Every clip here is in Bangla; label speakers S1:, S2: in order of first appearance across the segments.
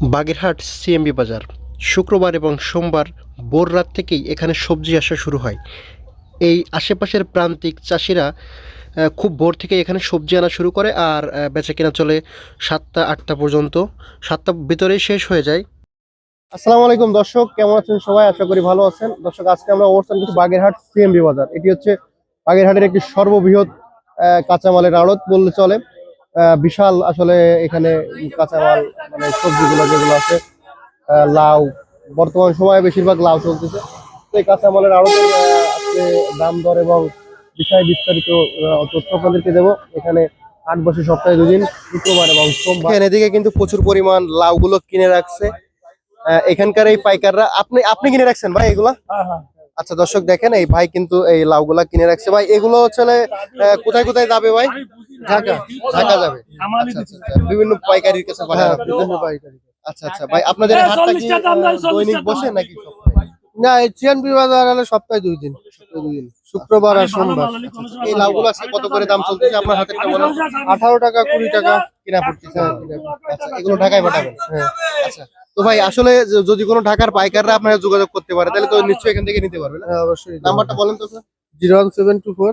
S1: বাগেরহাট সিএমবি বাজার শুক্রবার এবং সোমবার ভোর রাত থেকেই এখানে সবজি আসা শুরু হয়। এই আশেপাশের প্রান্তিক চাষিরা খুব ভোর থেকে এখানে সবজি আনা শুরু করে আর বেচাকেনা চলে 7টা 8টা পর্যন্ত। 7টার ভিতরেই শেষ হয়ে যায়। আসসালামু আলাইকুম দর্শক, কেমন আছেন সবাই? আশা করি ভালো আছেন। দর্শক, আজকে আমরা অবস্থান করছি বাগেরহাট সিএমবি বাজার। এটি হচ্ছে বাগেরহাটের একটি সর্ববৃহৎ কাঁচামালের আড়ত বললে চলে। বিশাল আসলে এখানে কাঁচামাল, মানে সবজিগুলো যেগুলো আছে, লাউ, বর্তমান সময়ে বেশিরভাগ লাউ চলতেছে। তো এই কাঁচামালের আড়তের আজকে দাম দর এবং বিষয় বিস্তারিত তথ্য আপনাদেরকে দেবো। এখানে হাট বসে সপ্তাহে 2 দিন, শুক্রবার এবং সোমবার। এদিকে কিন্তু প্রচুর পরিমাণ লাউগুলো কিনে রাখছে এখানকার এই পাইকাররা। আপনি আপনি কিনে রাখছেন ভাই এগুলা? আচ্ছা দর্শক, দেখেন এই ভাই কিন্তু এই লাউগুলা কিনে রাখছে। ভাই এগুলো হচ্ছে কোথায় কোথায় যাবে ভাই? ঢাকা। ঢাকা যাবে। আচ্ছা, আচ্ছা, আচ্ছা। বিভিন্ন পাইকারির কাছে পাঠানো। বিভিন্ন পাইকারি। আচ্ছা আচ্ছা ভাই, আপনাদের হাটটা কি দৈনিক বসে নাকি সপ্তাহে? না, এই সিএনবি বাজার হলে সপ্তাহে 2 দিন। শুক্রবার আর সোমবার। এই লাউগুলো আজকে কত করে দাম চলতেছে আপনার হাতে? 18 টাকা 20 টাকা কিনা পড়তেছে। আচ্ছা, এগুলো ঢাকায় পাঠাবেন? হ্যাঁ। আচ্ছা, তো ভাই আসলে যদি কোনো ঢাকার পাইকাররা আপনারা যোগাযোগ করতে পারে তাহলে তো নিশ্চয়ই এখান থেকে নিতে পারবেন। হ্যাঁ অবশ্যই। নাম্বারটা বলেন তো। 01724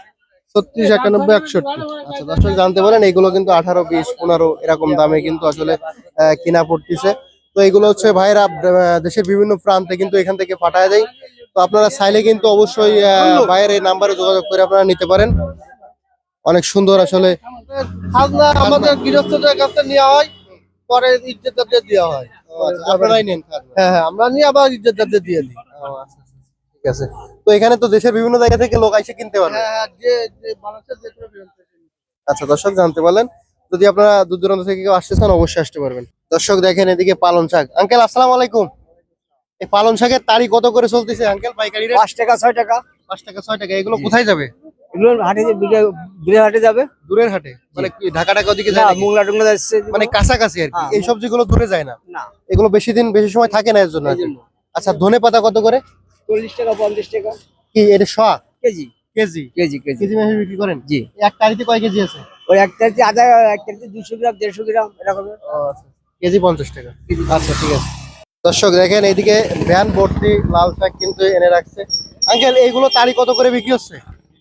S1: 36 91 61। আচ্ছা দর্শক, জানতে পারেন এইগুলো কিন্তু 18, 20, 15 এরকম দামে কিন্তু আসলে কিনা পড়তেছে। তো এগুলো হচ্ছে ভাইরা দেশের বিভিন্ন প্রান্তে কিন্তু এখান থেকে পাঠায় দেয়। তো আপনারা চাইলে কিন্তু অবশ্যই ভাইয়ের এই নাম্বারে যোগাযোগ করে আপনারা নিতে পারেন। অনেক সুন্দর আসলে
S2: খাজনা আমাদের গৃহস্থদের কাছে নেওয়া হয়, পরে ইজ্জতদারদের দেওয়া হয়।
S1: আপনারাই নেন খাজনা?
S2: হ্যাঁ হ্যাঁ, আমরা নিয়ে আবার ইজ্জতদারদের দিয়ে দিই।
S1: ঠিক আছে। তো এখানে তো দেশের বিভিন্ন জায়গা থেকে লোক এসে কিনতে পারবে।
S2: হ্যাঁ হ্যাঁ, যে বাংলাদেশের যে কোনো প্রান্ত থেকে।
S1: আচ্ছা দর্শক, জানতে পারলেন। যদি আপনারা দূর দূরান্ত থেকে কেউ আসতে চান অবশ্যই আসতে পারবেন। দর্শক দেখেন এদিকে পালং শাক। আঙ্কেল আসসালামু আলাইকুম। এই পালং শাকের তারি কত করে চলতেছে আঙ্কেল পাইকারি রেট?
S2: 5 টাকা 6 টাকা।
S1: 5 টাকা 6 টাকা। এগুলো কোথায় যাবে?
S2: এগুলো হাটে দূরে হাটে যাবে।
S1: দূরের হাটে? মানে কি ঢাকা টাকা ওদিকে
S2: না,
S1: যায় নাকি?
S2: মোংলা টুংলা যাচ্ছে।
S1: মানে কাছাকাছি আর কি।
S2: হ্যাঁ।
S1: এই সবজিগুলো দূরে যায় না?
S2: না,
S1: এগুলো বেশি সময় থাকে না এর জন্য আর কি। আচ্ছা, ধনে পাতা কত করে?
S2: 40 টাকা 50 টাকা
S1: কি এটা শ?
S2: KG.
S1: KG?
S2: KG KG
S1: KG মেপে বিক্রি করেন?
S2: জি।
S1: এক তারিতে কয় কেজি আছে?
S2: ওই এক কেজি আধা, এক কেজি 200 গ্রাম 150 গ্রাম এরকম।
S1: আচ্ছা, কেজি 50 টাকা। আচ্ছা ঠিক আছে। দর্শক দেখেন এইদিকে ভ্যান ভর্তি লাল শাক কিন্তু এনে রাখছে। আঙ্কেল এইগুলো তারি কত করে বিক্রি হচ্ছে?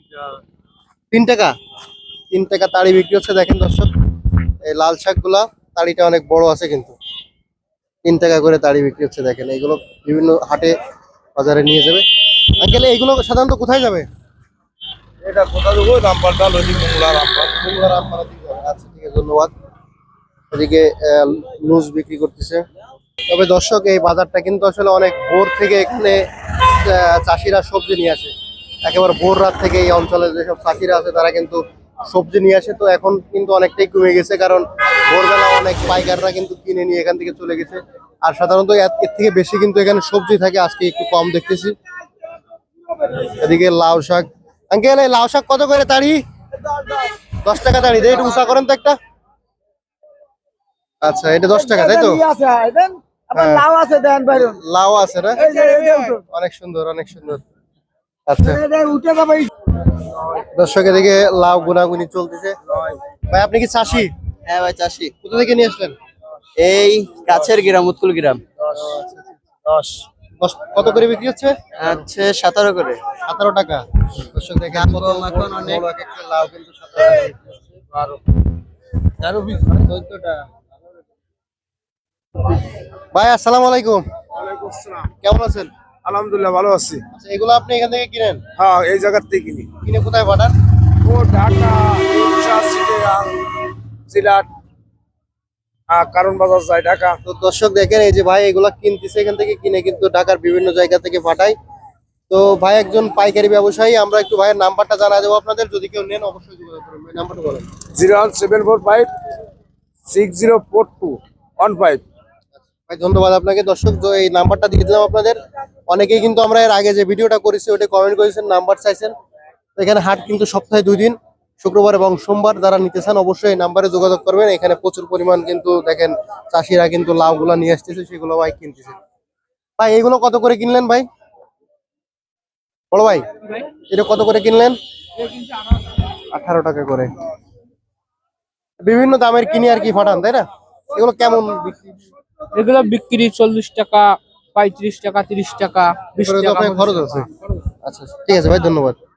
S1: 3 টাকা। 3 টাকা তারি বিক্রি হচ্ছে। দেখেন দর্শক, এই লাল শাকগুলা তারিটা অনেক বড় আছে কিন্তু 3 টাকা করে তারি বিক্রি হচ্ছে। দেখেন এইগুলো বিভিন্ন হাটে বাজারে নিয়ে যাবে। আঙ্কেল এইগুলো সাধারণত কোথায় যাবে?
S2: এটা কোথা দেবো? রামপালটা লজি মোংলা রামপাল।
S1: কুমড়া রামপাড়া দিকে যাবে। আচ্ছা ঠিক আছে, ধন্যবাদ। এদিকে লুজ বিক্রি করতেছে। তবে দর্শক, এই বাজারটা কিন্তু আসলে অনেক ভোর থেকে এখানে চাষিরা সবজি নিয়ে আসে। একেবারে ভোর রাত থেকে এই অঞ্চলে যেসব চাষিরা আছে তারা কিন্তু সবজি নিয়ে আসে। তো এখন কিন্তু অনেকটাই কমে গেছে, কারণ ভোরবেলা অনেক পাইকাররা কিন্তু কিনে নিয়ে এখান থেকে চলে গেছে। আর সাধারণত এর থেকে বেশি কিন্তু এখানে সবজি থাকে, আজকে একটু কম দেখতেছি। এদিকে লাউ শাক। আঙ্কেল এই লাউ শাক কত করে তাড়ি? 10 টাকা তাড়ি। একটু উঁচা করেন তো একটা। আচ্ছা, এটা 10 টাকা তাই তো? হ্যাঁ।
S2: লাউ আছে দেন বাইরন।
S1: লাউ আছে না?
S2: এই যে
S1: অনেক সুন্দর, অনেক সুন্দর। আচ্ছা
S2: উঠে যাবে।
S1: দর্শক, এদিকে লাউ গুনাগুনি চলতেছে। ভাই আপনি কি চাষি?
S3: হ্যাঁ ভাই, চাষি।
S1: কোথা থেকে নিয়ে আসলেন?
S3: এই কাছের গ্রাম, উৎকুল গ্রাম।
S1: 10। কত করে বিক্রি হচ্ছে?
S3: হচ্ছে 17 করে।
S1: 17 টাকা। দর্শক দেখেন
S3: দাম
S1: কত
S3: কম এখন অনেক।
S1: বড় এক একটা লাউ কিন্তু 17 টাকা বিক্রি হচ্ছে। 12 পিস 14 টাকা। ভাই আসসালামু আলাইকুম।
S2: ওয়ালাইকুম আসসালাম।
S1: কেমন আছেন?
S2: আলহামদুলিল্লাহ ভালো আছি।
S1: আচ্ছা, এগুলো আপনি এখান থেকে কিনেন?
S2: হ্যাঁ, এই জায়গার থেকে কিনি।
S1: কিনে কোথায় পাঠান?
S2: ও ঢাকা, চিটাগাং, সিলেট, কারণ বাজার যায় ঢাকা।
S1: তো দর্শক দেখেন এই যে ভাই এগুলা কিনতেছে এখান থেকে, কিনে কিন্তু ঢাকার বিভিন্ন জায়গা থেকে পাঠায়। তো ভাই একজন পাইকারি ব্যবসায়ী। আমরা একটু ভাইয়ের নাম্বারটা জানা দেবো আপনাদের, যদি কেউ নেন অবশ্যই যোগাযোগ করবেন। ভাই নাম্বারটা বলেন।
S2: 01745 604215।
S1: ভাই ধন্যবাদ আপনাকে। দর্শক, তো এই নাম্বারটা দিয়ে দিলাম আপনাদের। অনেকেই কিন্তু আমরা এর আগে যে ভিডিওটা করেছি ওটা কমেন্ট করেছেন, নাম্বার চাইছেন। তো এখানে হাট কিন্তু সপ্তাহে 2 দিন, শুক্রবার এবং সোমবার। যারা নিতে চান অবশ্যই এই নাম্বারে যোগাযোগ করবেন। এখানে প্রচুর পরিমাণ কিন্তু দেখেন চাষিরা কিন্তু লাউগুলা নিয়ে আসতেছে, সেগুলো ভাই কিনতেছে। ভাই এগুলো কত করে কিনলেন ভাই? বড় ভাই এটা কত করে কিনলেন? 18 টাকা করে। বিভিন্ন দামের কিনে আর কি ফাটান, তাই না? এগুলো কেমন বিক্রি?
S4: এগুলো বিক্রি 40 টাকা, 35 টাকা, 30 টাকা, 20
S1: এরপরে তো
S4: টাকা,
S1: আপনার খরচ আছে। আচ্ছা ঠিক আছে ভাই, ধন্যবাদ।